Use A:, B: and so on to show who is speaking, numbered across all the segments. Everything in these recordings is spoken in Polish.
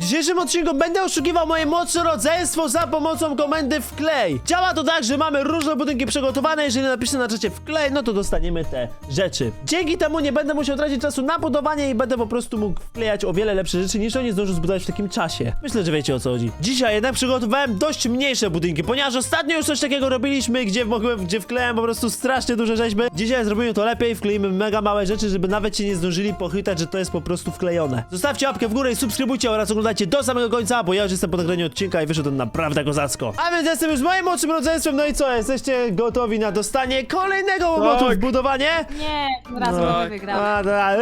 A: dzisiejszym odcinku będę oszukiwał moje młodsze rodzeństwo za pomocą komendy wklej. Działa to tak, że mamy różne budynki przygotowane. Jeżeli napiszę na czacie wklej, no to dostaniemy te rzeczy. Dzięki temu nie będę musiał tracić czasu na budowanie i będę po prostu mógł wklejać o wiele lepsze rzeczy, niż oni zdążą zbudować w takim czasie. Myślę, że wiecie, o co chodzi. Dzisiaj jednak przygotowałem dość mniejsze budynki, ponieważ ostatnio już coś takiego robiliśmy, gdzie wklejałem po prostu strasznie duże rzeźby. Dzisiaj zrobimy to lepiej, wkleimy mega małe rzeczy, żeby nawet się nie zdążyli pochytać, że to jest po prostu wklejone. Zostawcie łapkę w górę i subskrybujcie oraz oglądajcie do samego końca, bo ja już jestem po nagraniu odcinka i wyszedł on naprawdę kozacko. A więc jestem już moim młodszym rodzeństwem, no i co? Jesteście gotowi na dostanie kolejnego łomotu w budowanie?
B: Nie, raz no. Wygrałem.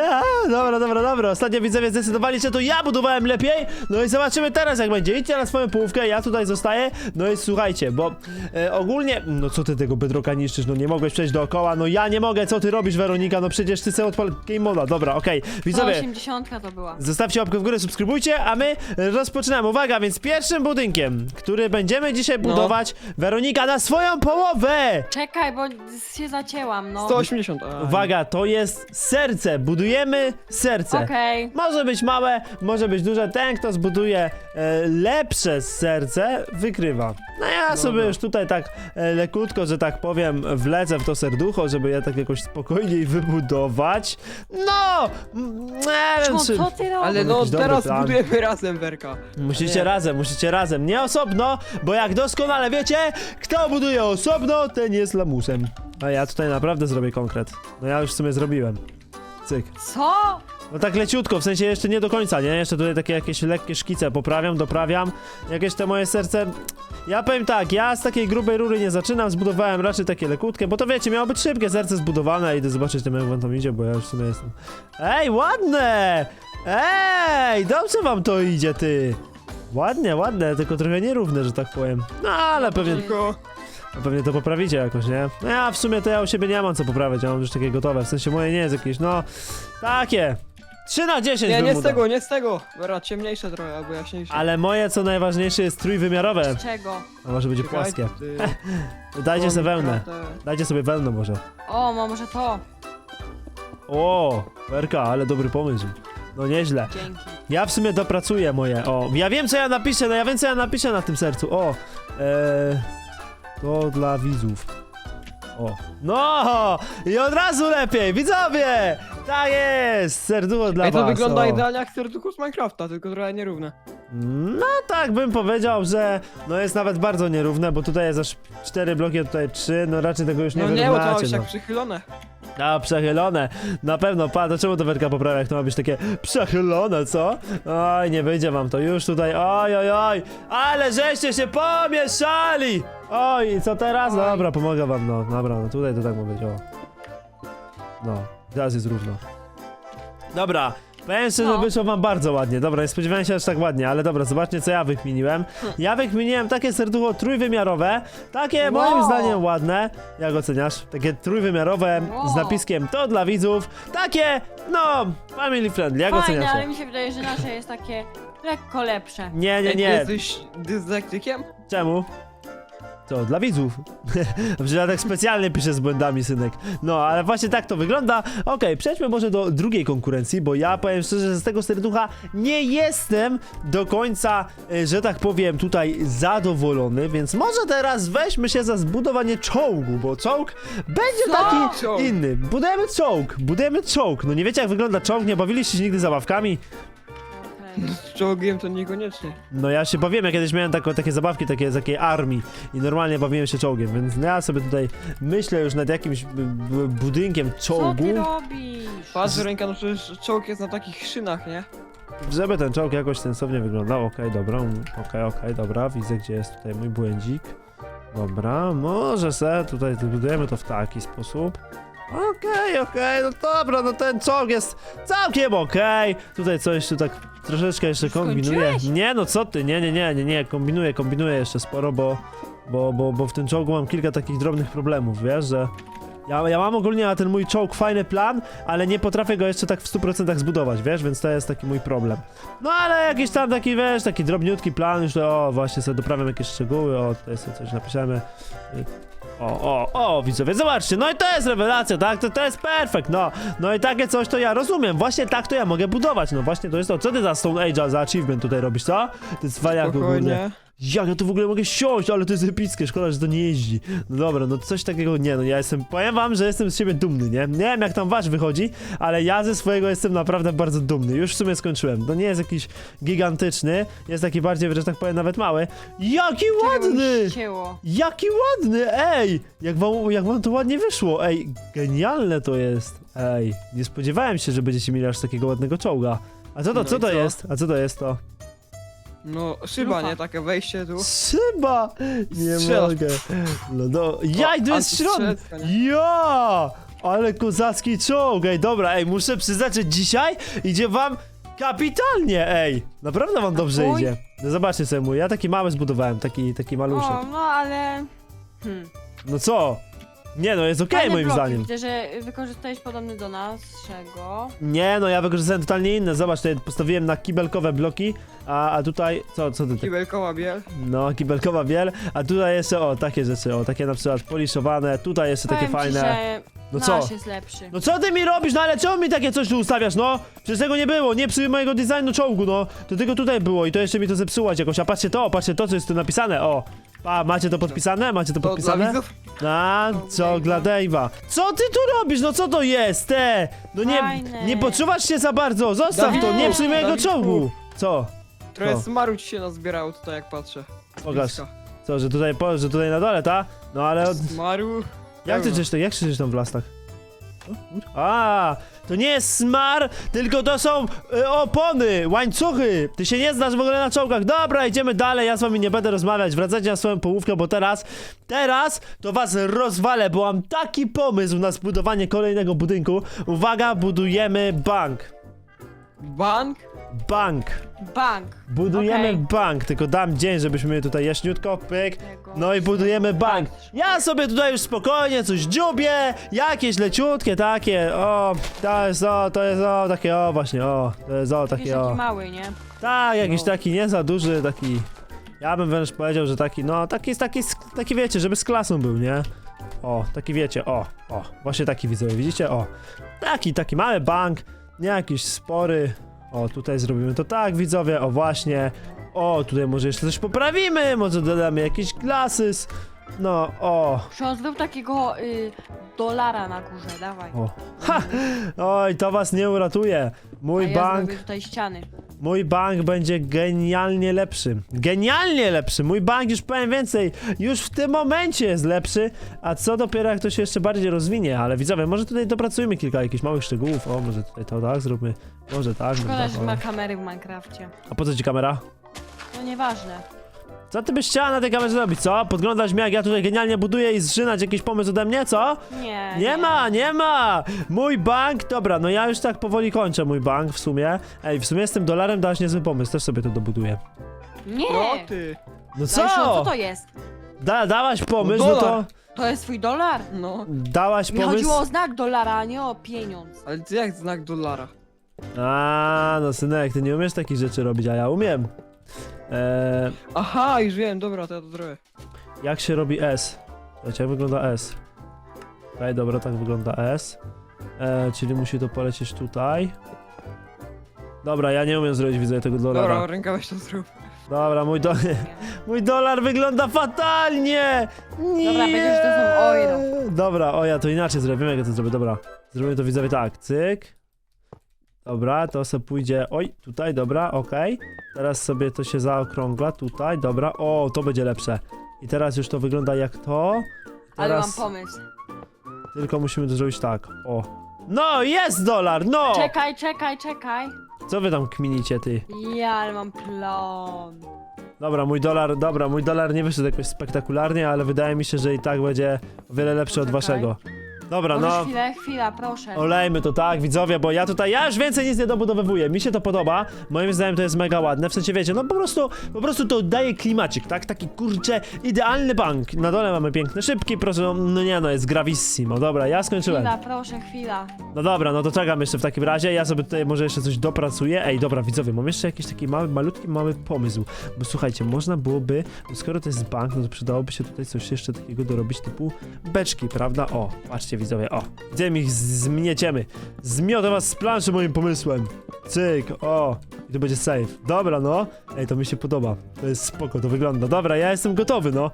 A: Dobra. Ostatnio widzowie zdecydowali się, to ja budowałem lepiej. No i zobaczymy teraz, jak będzie. Idźcie na swoją połówkę, ja tutaj zostaję. No i słuchajcie, bo ogólnie... No co ty tego bedrocka niszczysz? No nie mogłeś przejść dookoła. No ja nie mogę, co ty robisz, Weronika? No przecież ty sobie odpal game moda. Dobra, okej. Widzowie,
B: 80 to była.
A: zostawcie łapkę w górę, subskrybujcie, a my rozpoczynamy. Uwaga, więc pierwszym budynkiem, który będziemy dzisiaj budować, Weronika, na swoją połowę!
B: Czekaj, bo się zacięłam, no.
C: 180.
A: Uwaga, to jest serce. Budujemy serce.
B: Okej.
A: Może być małe, może być duże. Ten, kto zbuduje lepsze serce, wykrywa. No ja sobie już tutaj tak lekutko, że tak powiem, wlecę w to serducho, żeby je tak jakoś spokojniej wybudować. No! Nie wiem, czy...
B: Co ty robisz?
C: Ale no
A: Jakiś dobry
C: teraz
A: plan.
C: budujemy razem, Werka.
A: Musicie razem, nie osobno, bo jak doskonale wiecie, kto buduje osobno, ten jest lamusem. A ja tutaj naprawdę zrobię konkret. No ja już w sumie zrobiłem. Cyk.
B: Co?
A: No tak leciutko, w sensie jeszcze nie do końca, nie? Jeszcze tutaj takie jakieś lekkie szkice poprawiam, doprawiam. Jakieś te moje serce... Ja powiem tak, ja z takiej grubej rury nie zaczynam, zbudowałem raczej takie lekutkie, bo to wiecie, miało być szybkie serce zbudowane, idę zobaczyć tym, jak wam tam idzie, bo ja już w sumie jestem... Ej, ładne! Ej, dobrze wam to idzie, ty! Ładne, tylko trochę nierówne, że tak powiem. No, ale pewnie...
C: Tylko...
A: Pewnie to poprawicie jakoś, nie? No ja w sumie to ja u siebie nie mam co poprawiać, ja mam już takie gotowe, w sensie moje nie jest jakieś, no... Takie! 3 na 10
C: Nie,
A: bym mu dał.
C: nie z tego. Dobra, ciemniejsze trochę, albo jaśniejsze.
A: Ale moje, co najważniejsze, jest trójwymiarowe.
B: Z czego?
A: A może będzie
C: Czekaj,
A: płaskie.
C: ty-
A: Dajcie sobie wełnę.
C: Naprawdę.
A: Dajcie sobie wełnę może.
B: O, może to.
A: O, Werka, ale dobry pomysł. No nieźle.
B: Dzięki.
A: Ja w sumie dopracuję moje. O, ja wiem co ja napiszę, no ja wiem co ja napiszę na tym sercu. O, to dla widzów. O, no! I od razu lepiej, widzowie! Tak jest! Serducho dla
C: Ej, to
A: was.
C: wygląda
A: o.
C: idealnie jak serducho z Minecrafta, tylko trochę nierówne.
A: No tak bym powiedział, że no jest nawet bardzo nierówne, bo tutaj jest aż 4 bloki, a tutaj 3, no raczej tego już nie
C: No nie, bo to ma
A: wyrównacie,
C: być
A: no.
C: jak przychylone.
A: A, przechylone. Na pewno, do czemu to Werka poprawia, jak to ma być takie przechylone, co? Oj, nie wyjdzie wam to już tutaj, oj, ale żeście się pomieszali! Oj, i co teraz? No
B: Oj.
A: dobra, pomogę wam, no, dobra, no tutaj to tak ma być, o. No, teraz jest równo. Dobra. Powiem szczerze, że
B: No.
A: wyszło wam bardzo ładnie. Dobra, nie spodziewałem się aż tak ładnie, ale dobra, zobaczcie co ja wykminiłem. Ja wykminiłem takie serducho trójwymiarowe, takie moim
B: Wow.
A: zdaniem ładne. Jak oceniasz? Takie trójwymiarowe z
B: Wow.
A: napiskiem to dla widzów. Takie, no, family friendly. Jak
B: Fajne,
A: oceniasz?
B: ale mi się wydaje, że nasze jest takie lekko lepsze.
A: Nie,
C: Ej,
A: nie.
C: Jesteś dyslektykiem?
A: Czemu? To dla widzów. Dobrze, ja tak specjalnie piszę z błędami, synek. No, ale właśnie tak to wygląda. Okej, przejdźmy może do drugiej konkurencji, bo ja powiem szczerze, że z tego serducha nie jestem do końca, że tak powiem, tutaj zadowolony, więc może teraz weźmy się za zbudowanie czołgu, bo czołg będzie
B: Co?
A: taki
C: Czołg.
A: inny. Budujemy czołg. No nie wiecie jak wygląda czołg, nie bawiliście się nigdy zabawkami?
B: Okej.
C: Z czołgiem to niekoniecznie.
A: No ja się bawiłem, ja kiedyś miałem takie zabawki, takie z takiej armii i normalnie bawiłem się czołgiem, więc ja sobie tutaj myślę już nad jakimś budynkiem
B: Co
A: czołgu,
B: ty robisz?
C: Patrz, ręka, no przecież czołg jest na takich szynach, nie?
A: żeby ten czołg jakoś sensownie wyglądał. Okej, dobra, dobra, widzę gdzie jest tutaj mój błędzik. Dobra, może se tutaj budujemy to w taki sposób. Okej, no dobra, no ten czołg jest całkiem okej. Tutaj coś tu tak troszeczkę jeszcze kombinuję.
B: Skończyłeś?
A: Nie, no co ty, nie, kombinuję jeszcze sporo, bo w tym czołgu mam kilka takich drobnych problemów, wiesz, że Ja mam ogólnie na ten mój czołg fajny plan, ale nie potrafię go jeszcze tak w 100% zbudować, wiesz, więc to jest taki mój problem. No ale jakiś tam taki, wiesz, taki drobniutki plan, już to, o, właśnie sobie doprawiam jakieś szczegóły, o, tutaj sobie coś napiszemy. O, widzowie, zobaczcie, no i to jest rewelacja, tak, to jest perfekt, no i takie coś to ja rozumiem, właśnie tak to ja mogę budować, no właśnie to jest to, co ty za Stone Age'a, za achievement tutaj robisz, co? Ty cwaniak ogólnie.
C: Spokojnie.
A: Jak ja tu w ogóle mogę siąść, ale to jest epickie, szkoda, że to nie jeździ. No dobra, no coś takiego nie, no ja jestem, powiem wam, że jestem z siebie dumny, nie? Nie wiem jak tam wasz wychodzi, ale ja ze swojego jestem naprawdę bardzo dumny. Już w sumie skończyłem. To nie jest jakiś gigantyczny, jest taki bardziej, że tak powiem, nawet mały. Jaki ładny!
B: Cięło.
A: Jaki ładny, ej! Jak wam to ładnie wyszło, ej, genialne to jest. Ej, nie spodziewałem się, że będziecie mieli aż takiego ładnego czołga. A co to,
C: No
A: co
C: i
A: to
C: co?
A: jest? A co to jest to?
C: No, szyba,
B: Lufa.
C: nie? Takie wejście tu.
A: Szyba! Nie
C: Strzelasz.
A: mogę. No, jaj, tu jest środek!
C: antystrzelska, nie?
A: Ja! Ale kozacki czołg, ej, dobra, ej, muszę przyznać, że dzisiaj idzie wam kapitalnie, ej! Naprawdę wam dobrze
B: twój?
A: idzie. No zobaczcie sobie mój, ja taki mały zbudowałem, taki maluszek.
B: O, no ale...
A: No co? Nie no, jest okej
B: Fajne
A: moim
B: bloki.
A: zdaniem.
B: Widzę, że wykorzystałeś podobny do naszego.
A: Nie no, ja wykorzystałem totalnie inne, zobacz, tutaj postawiłem na kibelkowe bloki, a tutaj, co ty tak?
C: Kibelkowa biel.
A: No, kibelkowa biel, a tutaj jeszcze, o, takie rzeczy, o, takie na przykład poliszowane, tutaj jeszcze takie
B: Powiem ci,
A: fajne.
B: że
A: No co?
B: nasz jest lepszy.
A: No co ty mi robisz, no ale czemu mi takie coś tu ustawiasz, no? Przecież tego nie było, nie przy mojego designu czołgu, no. To tylko tutaj było i to jeszcze mi to zepsułaś jakoś, a patrzcie to, co jest tu napisane, o. A, macie to podpisane? Macie to
C: To dla
A: podpisane?
C: widzów?
A: A, co dla Dave'a. Co ty tu robisz, no co to jest, te? No
B: Fajne.
A: nie poczuwasz się za bardzo, zostaw to, nie przy mojego
C: Dawidku.
A: czołgu. Co?
C: Trochę
A: Co?
C: smaru ci się nazbierało tutaj, jak patrzę.
A: Pokaż.
C: Bliska.
A: Co, że tutaj na dole, ta? No ale od...
C: Smaru.
A: Jak ty czysz, jak krzyczysz tam w lasach? A, to nie jest smar, tylko to są opony, łańcuchy. Ty się nie znasz w ogóle na czołgach. Dobra, idziemy dalej, ja z wami nie będę rozmawiać. Wracajcie na swoją połówkę, bo teraz to was rozwalę, bo mam taki pomysł na zbudowanie kolejnego budynku. Uwaga, budujemy bank.
C: Bank?
A: Bank.
B: Bank.
A: Budujemy
B: Okej.
A: bank, tylko dam dzień, żebyśmy tutaj jaśniutko, pyk.
B: Tego.
A: No i budujemy bank. Ja sobie tutaj już spokojnie coś dziubię, jakieś leciutkie takie, to jest takie, właśnie, to jest
B: Jakiś
A: takie,
B: taki mały, nie?
A: tak, jakiś
C: No.
A: taki nie za duży, taki, ja bym wręcz powiedział, że taki, no, taki wiecie, żeby z klasą był, nie? O, taki wiecie, właśnie taki widzowie, widzicie, taki mały bank, nie jakiś spory, tutaj zrobimy to tak, widzowie, właśnie, tutaj może jeszcze coś poprawimy, może dodamy jakiś glasses, no,
B: Ksiądz był takiego dolara na górze, dawaj.
A: ha, oj, to was nie uratuje,
B: A
A: mój
B: ja
A: bank,
B: zrobię tutaj ściany.
A: mój bank będzie genialnie lepszy, mój bank, już powiem więcej, już w tym momencie jest lepszy, a co dopiero jak to się jeszcze bardziej rozwinie, ale widzowie, może tutaj dopracujmy kilka jakichś małych szczegółów, może tutaj to tak zróbmy, może tak,
B: Szkoda, że
A: tak,
B: ma kamery w Minecrafcie.
A: a po co ci kamera?
B: No nieważne.
A: Co ty byś chciała na tej kamerze zrobić, co? Podglądać mnie, jak ja tutaj genialnie buduję i zżynać jakiś pomysł ode mnie, co?
B: Nie.
A: Nie ma! Mój bank, dobra, no ja już tak powoli kończę mój bank w sumie. Ej, w sumie z tym dolarem dałaś niezły pomysł, też sobie to dobuduję.
B: Nie.
C: No ty.
A: No
B: Co to jest?
A: Dałaś pomysł,
C: No
A: no to...
C: dolar.
B: To jest twój dolar?
C: No.
A: Dałaś
B: Mi chodziło
A: pomysł?
B: o znak dolara, a nie o pieniądz.
C: Ale ty jak znak dolara?
A: A, no synek, ty nie umiesz takich rzeczy robić, a ja umiem.
C: Aha, już wiem, dobra, to ja to zrobię.
A: Jak się robi S? Słuchajcie, jak wygląda S? Okej, dobra, tak wygląda S. Czyli musi to polecieć tutaj. Dobra, ja nie umiem zrobić, widzę tego dolara.
C: Dobra, ręka weź to zrób.
A: Dobra, mój dolar wygląda fatalnie! Nie!
B: Dobra, będziesz to są euro.
A: Dobra, ja to inaczej zrobię, jak ja to zrobię, dobra. Zrobimy to widzowie tak, cyk. Dobra, to sobie pójdzie, tutaj, dobra, okej. Teraz sobie to się zaokrągla, tutaj, dobra, to będzie lepsze. I teraz już to wygląda jak to.
B: Ale mam
A: Teraz
B: pomysł.
A: tylko musimy to zrobić tak, No, jest dolar, no!
B: Czekaj.
A: Co wy tam kminicie, ty?
B: Ja, ale mam plan.
A: Dobra, mój dolar nie wyszedł jakoś spektakularnie, ale wydaje mi się, że i tak będzie o wiele lepszy od
B: Poczekaj.
A: waszego. Dobra,
B: Możesz
A: no.
B: chwila, proszę.
A: Olejmy to, tak, widzowie, bo ja już więcej nic nie dobudowywuję. Mi się to podoba. Moim zdaniem to jest mega ładne. W sensie, wiecie, no po prostu to daje klimacik, tak? Taki, kurczę, idealny bank. Na dole mamy piękne szybki, proszę, no nie no, jest gravissimo. Dobra, ja skończyłem.
B: Chwila.
A: No dobra, no to czekam jeszcze w takim razie. Ja sobie tutaj może jeszcze coś dopracuję. Ej, dobra, widzowie, mam jeszcze jakiś taki mały pomysł. Bo słuchajcie, można byłoby, bo skoro to jest bank, no to przydałoby się tutaj coś jeszcze takiego dorobić, typu beczki, prawda? O, patrzcie, widzowie, o. Gdzie ich zmieciemy? Zmiotę was z planszy moim pomysłem. Cyk, o. I to będzie safe. Dobra, no. Ej, to mi się podoba. To jest spoko, to wygląda. Dobra, ja jestem gotowy, no.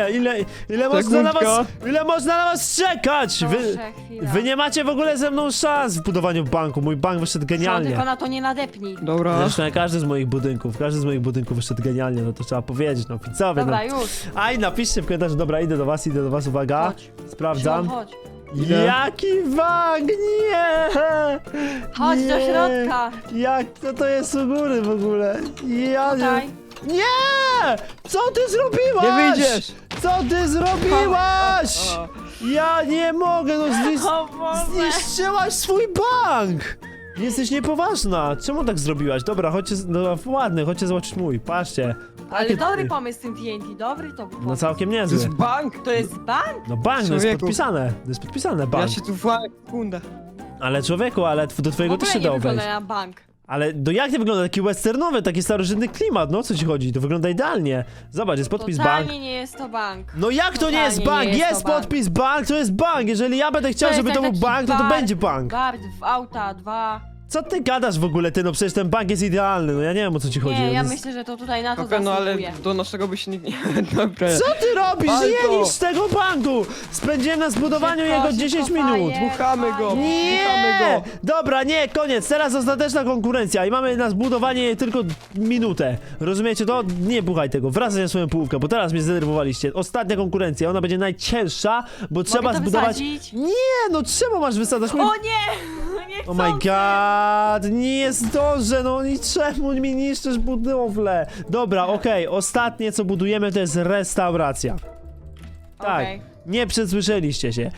A: Ile można na was, ile można na was czekać?
B: Proszę, chwila.
A: Wy nie macie w ogóle ze mną szans w budowaniu banku. Mój bank wyszedł
B: Co,
A: genialnie.
B: tylko na to nie nadepnij.
C: Dobra.
A: Zresztą każdy z moich budynków wyszedł genialnie, no to trzeba powiedzieć, no widzowie,
B: Dobra,
A: no.
B: już.
A: Aj, napiszcie w komentarzu, dobra, idę do was, uwaga.
B: Chodź.
A: Sprawdzam.
B: Chodź.
C: Idę.
A: Jaki bank, nie!
B: Chodź do
A: Nie.
B: środka.
A: Jak to jest u góry w ogóle? Ja
B: Tutaj.
A: nie! Co ty zrobiłaś?
C: Nie wyjdziesz!
A: Co ty zrobiłaś?
C: O,
A: Ja nie mogę, no
B: O Boże.
A: zniszczyłaś swój bank! Jesteś niepoważna. Czemu tak zrobiłaś? Dobra, chodźcie, no ładny, chodźcie zobaczyć mój, patrzcie.
B: Ale
A: Takie-
B: dobry pomysł z tym TNT, dobry to był
A: No
B: pomysł.
A: całkiem
C: to
A: niezły.
C: jest bank!
B: To jest bank?
A: No bank, no jest
C: Człowieku.
A: podpisane. To jest podpisane,
C: Ja
A: bank.
C: się tu włamę, sekunda.
A: Ale człowieku, ale do
B: W
A: twojego też
B: ogóle
A: się
B: nie
A: dało
B: wygląda
A: wejść.
B: na bank.
A: Ale jak nie wygląda? Taki westernowy, taki starożytny klimat, no o co ci chodzi? To wygląda idealnie. Zobacz, jest podpis bank.
B: Totalnie nie jest to bank.
A: No jak to nie jest
B: Totalnie
A: bank?
B: nie jest
A: Jest
B: to bank.
A: podpis bank, to jest bank. Jeżeli ja będę chciał,
B: To jest
A: żeby to był
B: taki
A: bank, to
B: bar.
A: będzie bank.
B: Bar, auta, 2.
A: Co ty gadasz w ogóle, ty? No przecież ten bank jest idealny, no ja nie wiem o co ci chodzi.
B: Nie,
A: On
B: ja
A: jest...
B: myślę, że to tutaj na to
C: Okej, no ale
B: zasługuje.
C: do naszego by się nikt nie... Dobra.
A: Co ty robisz?
C: Walko!
A: Nie niszcz tego banku! Spędziłem na zbudowaniu
B: Szybko,
A: jego
B: szybko,
A: 10 minut.
B: fajer,
C: Dmuchamy go.
B: fajer.
A: Nie!
C: Dmuchamy go.
A: Dobra, nie, koniec. Teraz ostateczna konkurencja i mamy na zbudowanie tylko minutę. Rozumiecie to? Nie buchaj tego. Wracaj na swoją połówkę, bo teraz mnie zdenerwowaliście. Ostatnia konkurencja, ona będzie najcięższa, bo trzeba
B: Mogę to
A: zbudować...
B: wysadzić?
A: Nie, no czemu masz wysadzać?
B: O nie! Nie
A: Oh my god, nie zdążę, no i czemu mi niszczysz budowlę? Dobra, okej, ostatnie co budujemy to jest restauracja. Tak,
B: Okej.
A: nie przesłyszeliście się.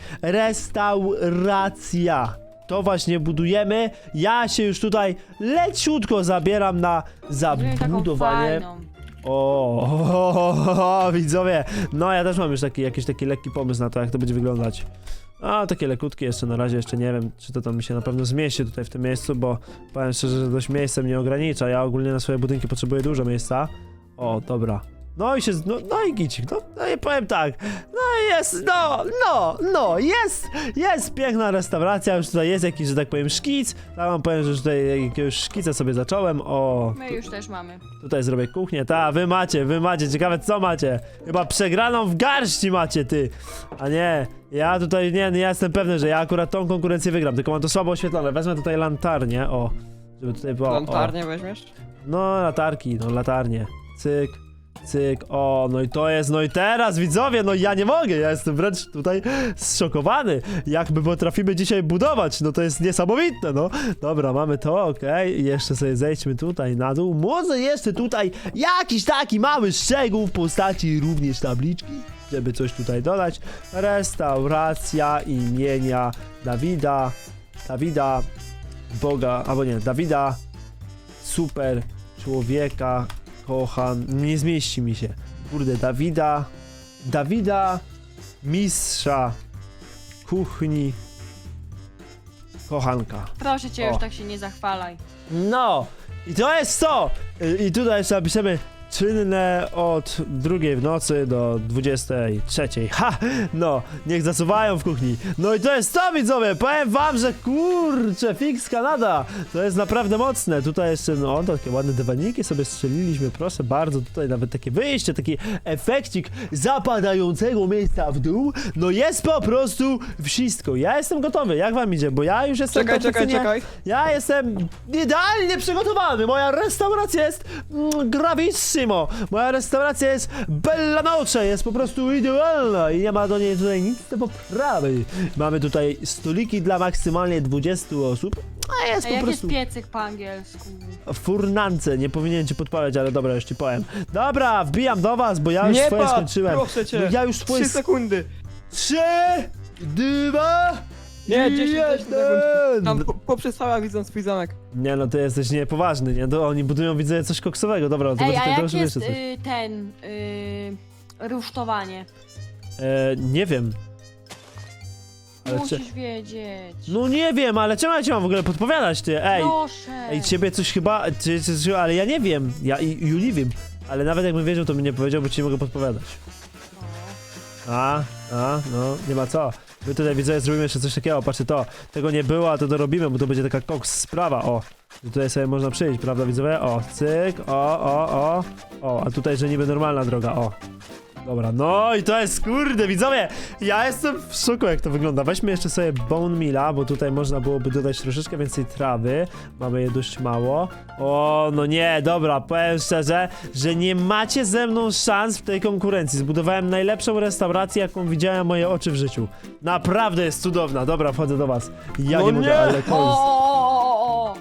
A: Restauracja. To właśnie budujemy. Ja się już tutaj leciutko zabieram na
B: Zrobię taką
A: zabudowanie.
B: fajną.
A: O, widzowie. No ja też mam już jakiś taki lekki pomysł na to, jak to będzie wyglądać. A, takie lekutkie jeszcze na razie, jeszcze nie wiem, czy to tam mi się na pewno zmieści tutaj w tym miejscu, bo powiem szczerze, że dość miejsce mnie ogranicza. Ja ogólnie na swoje budynki potrzebuję dużo miejsca. O, dobra. No i się, no i gicik, no i powiem tak, no jest, jest piękna restauracja, już tutaj jest jakiś, że tak powiem, szkic, tam wam powiem, że już tutaj jakiegoś szkica sobie zacząłem, o,
B: My już też mamy.
A: tutaj zrobię kuchnię, wy macie, ciekawe co macie, chyba przegraną w garści macie, ty, a nie, ja tutaj, nie, ja jestem pewny, że ja akurat tą konkurencję wygram, tylko mam to słabo oświetlone, wezmę tutaj lantarnię, o, żeby tutaj było,
C: Lantarnię weźmiesz?
A: no, latarki, no, latarnie. Cyk, cyk, o, no i to jest, no i teraz, widzowie, no ja nie mogę, ja jestem wręcz tutaj zszokowany, jak my potrafimy dzisiaj budować, no to jest niesamowite, no. Dobra, mamy to, okej, jeszcze sobie zejdźmy tutaj na dół, może jeszcze tutaj jakiś taki mały szczegół w postaci również tabliczki, żeby coś tutaj dodać. Restauracja imienia Dawida, Boga, albo nie, Dawida, super człowieka, kocham, nie zmieści mi się. Kurde, Dawida, mistrza kuchni, kochanka.
B: Proszę cię,
A: O.
B: już tak się nie zachwalaj.
A: No, i to jest to! I tutaj jeszcze napiszemy czynne od 2 w nocy do 23. Ha! No, niech zasuwają w kuchni. No i to jest to, widzowie! Powiem wam, że kurczę, fix Kanada! To jest naprawdę mocne. Tutaj jeszcze, no, takie ładne dywaniki sobie strzeliliśmy, proszę bardzo. Tutaj nawet takie wyjście, taki efekcik zapadającego miejsca w dół. No jest po prostu wszystko. Ja jestem gotowy. Jak wam idzie? Bo ja już jestem
C: Czekaj.
A: Ja jestem idealnie przygotowany. Moja restauracja jest gravissimo. Moja restauracja jest bella noce. Jest po prostu idealna i nie ma do niej tutaj nic do poprawy. Mamy tutaj stoliki dla maksymalnie 20 osób. A jest
B: A
A: po
B: jak jest
A: prostu
B: piecyk po angielsku?
A: furnance. Nie powinien ci podpalać, ale dobra, już ci powiem. Dobra, wbijam do was, bo ja już
C: Nie
A: swoje
C: patrz,
A: skończyłem.
C: proszę cię.
A: No ja już swoje
C: 3 sekundy.
A: 3, 2,
C: Nie, 10
A: 1.
C: Tam poprzestała widząc swój zamek.
A: Nie no, ty jesteś niepoważny, nie? To oni budują, widzę, coś koksowego. Dobra, to
B: Ej, a
A: tutaj
B: jak
A: proszę
B: jest
A: jeszcze coś.
B: rusztowanie?
A: Nie wiem. Ale
B: Musisz wiedzieć.
A: No nie wiem, ale czemu ja ci mam w ogóle podpowiadać, ty? Ej,
B: Proszę.
A: ej, ciebie coś chyba, ale ja nie wiem. Ja i nie wiem. Ale nawet jakbym wiedział, to bym nie powiedział, bo ci nie mogę podpowiadać. No, nie ma co. My tutaj widzę, zrobimy jeszcze coś takiego, patrzcie to. Tego nie było, a to dorobimy, bo to będzie taka koks sprawa, o. I tutaj sobie można przyjść, prawda widzowie? O, cyk, o, a tutaj, że niby normalna droga, o. Dobra, no i to jest, kurde, widzowie, ja jestem w szoku, jak to wygląda. Weźmy jeszcze sobie bone meala, bo tutaj można byłoby dodać troszeczkę więcej trawy. Mamy je dość mało. O, no nie, dobra, powiem szczerze, że nie macie ze mną szans w tej konkurencji. Zbudowałem najlepszą restaurację, jaką widziałem moje oczy w życiu. Naprawdę jest cudowna. Dobra, wchodzę do was. Ja
C: No
A: nie mogę,
C: nie!
A: ale to jest...
B: O!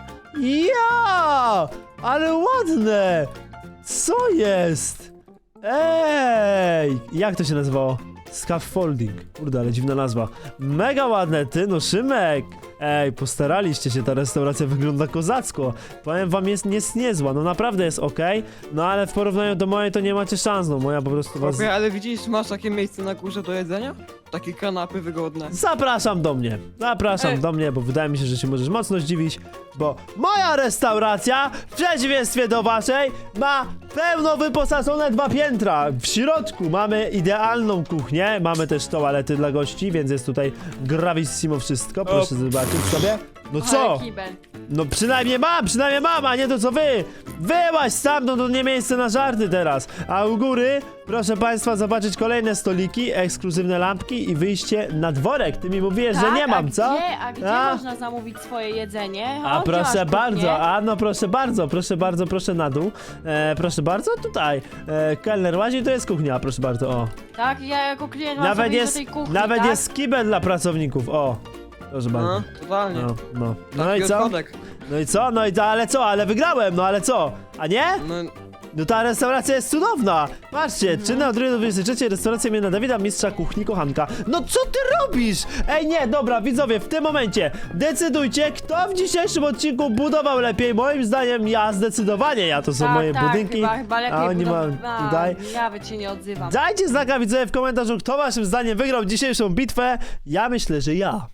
A: Ja! Ale ładne! Co jest? Ej! Jak to się nazywało? Scaffolding. Kurde, ale dziwna nazwa. Mega ładne, ty no Szymek! Ej, postaraliście się, ta restauracja wygląda kozacko. Powiem wam, jest niezła, no naprawdę jest okej. No ale w porównaniu do mojej to nie macie szans, no moja po prostu was...
C: Chłopie, ale widzisz, masz takie miejsce na górze do jedzenia? Takie kanapy wygodne.
A: Zapraszam do mnie,
C: Ej.
A: do mnie, bo wydaje mi się, że się możesz mocno zdziwić, bo moja restauracja, w przeciwieństwie do waszej, ma pełno wyposażone 2 piętra. W środku mamy idealną kuchnię, mamy też toalety dla gości, więc jest tutaj gravissimo wszystko, proszę zobaczyć sobie. No co?
B: Ale kibel.
A: No przynajmniej mam, a nie to co wy! Wyłaź stamtąd, to nie miejsce na żarty teraz! A u góry, proszę państwa, zobaczyć kolejne stoliki, ekskluzywne lampki i wyjście na dworek. Ty mi mówiłeś, że nie mam, co?
B: Gdzie
A: A?
B: można zamówić swoje jedzenie?
A: A
B: O, gdzie masz
A: proszę
B: kuchnię?
A: bardzo, a no proszę na dół. Proszę bardzo, tutaj. Kelner łazi, to jest kuchnia, proszę bardzo, o.
B: Tak, ja jako klient mam
A: Nawet
B: sobie
A: jest,
B: do tej kuchni,
A: nawet
B: tak?
A: jest kibel dla pracowników, o. Proszę bardzo.
C: No, totalnie.
A: No. No
C: Taki
A: i co?
C: odchodek.
A: No i co? Ale co? Ale wygrałem, no ale co? A nie?
C: No,
A: No ta restauracja jest cudowna! Patrzcie, czynna od 2 do 23, restauracja imienia Dawida, mistrza kuchni, kochanka. No co ty robisz? Ej, nie, dobra, widzowie, w tym momencie decydujcie, kto w dzisiejszym odcinku budował lepiej. Moim zdaniem ja zdecydowanie, to są
B: Tak,
A: moje
B: tak,
A: budynki.
B: chyba lepiej
A: a oni mają tutaj.
B: Ja by cię nie odzywam.
A: Dajcie znaka, widzowie, w komentarzu, kto waszym zdaniem wygrał dzisiejszą bitwę. Ja myślę, że ja.